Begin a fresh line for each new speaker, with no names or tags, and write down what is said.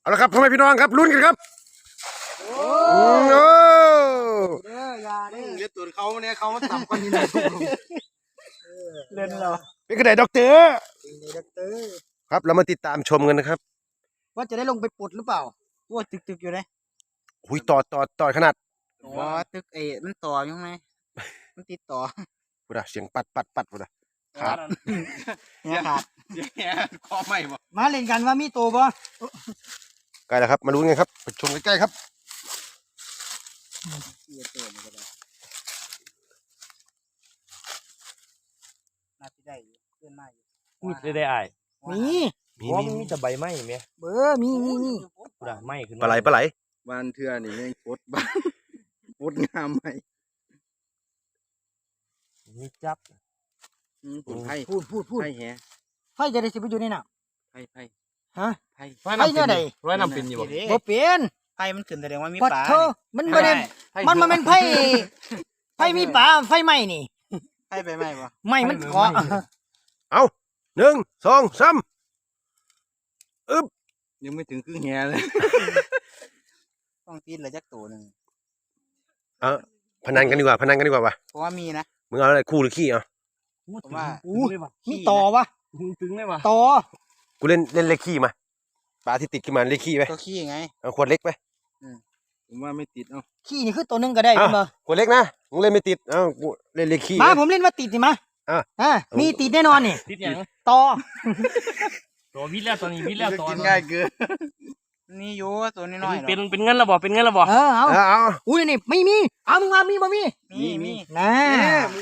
เอาละครับพ่อแม่พี่น้องครับลุ้นกันครับโอ้
อย่าเล่นตัวเขาเนี่ยเขาต่ำกว่านี้หน่อยเล่นเหรอ
เป็นกระไดด็อกเตอร์
ด็อกเตอร์
ครับเรามาติดตามชมกันนะครับ
ว่าจะได้ลงไปปลดหรือเปล่าว่าตึกอยู่เลย
หุยต่อขนาด
ว่าตึกมันต่ออยู่ไงมันติดต่อ
พูดอะเสียงปัดพูดอะขาด
เนี่ยขาด
คอไม่บ่
มาเล่นกันว่ามีโตบ่
ใกล้แล้วครับมาลุ้นกันครับไปชมใกล้ๆครับ
น่าจะได้อยู่เพื่อนมาอยู่
มีได้อ้าย
มี
เพราะว่ามันมีแต่ใบไม้แม่
เบอร์มี
กูด่าไม้ขึ้น
ปลาไหล
บ้านเทื่อนี่แม่งโคตรบ้านโคตรงามไหม
มีจับ
ผลไผ่
พูด
ไผ่แฮ
ไฟจะได้สิไปอยู่ในน้
ไผ่
ำฮะ
ไผ่
ไฟเนี่ยใด
ร้อยน้ำเป็นอยู่บ่
บ่เปลี่ยน
ไฟมันขึ้นแสดงว่ามี
ปัด
ปลา
เธอมันบ่ได้มันเป็นไฟไฟมีปลาไฟไหม้นี่
ไฟไปไหมวะ
ไหม้มันเกาะ
เอา1 2 3
ยังไม่ถึงครึ่งแฮเลย
ต้องตีนเลยจักตัวหนึ่ง
พนันกันดีกว่าว่ะ
เพราะว่ามีนะ
มึงเอาอะไรคู่หรือขี้เอา
ผมว่า
มีต่อวะ
ตึงได้ปะ
ต่อ
กูเล่นเลขขี้มาปลาที่ติดขึ้นมาเลขขี้ไป
ก็ขี้ไง
เอาขวดเล็กไป
ผมว่าไม่ติดเอ้า
ขี้นี่คือตัวหนึงก็ได้เป็นบ่
ขวดเล็กนะมึงเล่นไม่ติดเอากูเล่นเลขขี้
มาผมเล่นว่าติดสิมา มีติดแน่นอนนี่
ติดยัง
ต่อ
ตัววิทย์แล้วตอนนี้วิทย์แล้วตอน
กินง่ายเกิน
นี่อยู่ตัวน้อยๆ
เป็นเงินแล้วบ่เป็นเงินแล้วบ่
เอา
เอา
อุ้ยนี่ไม่มีเอามึงมามีบ่มี
มี
นะ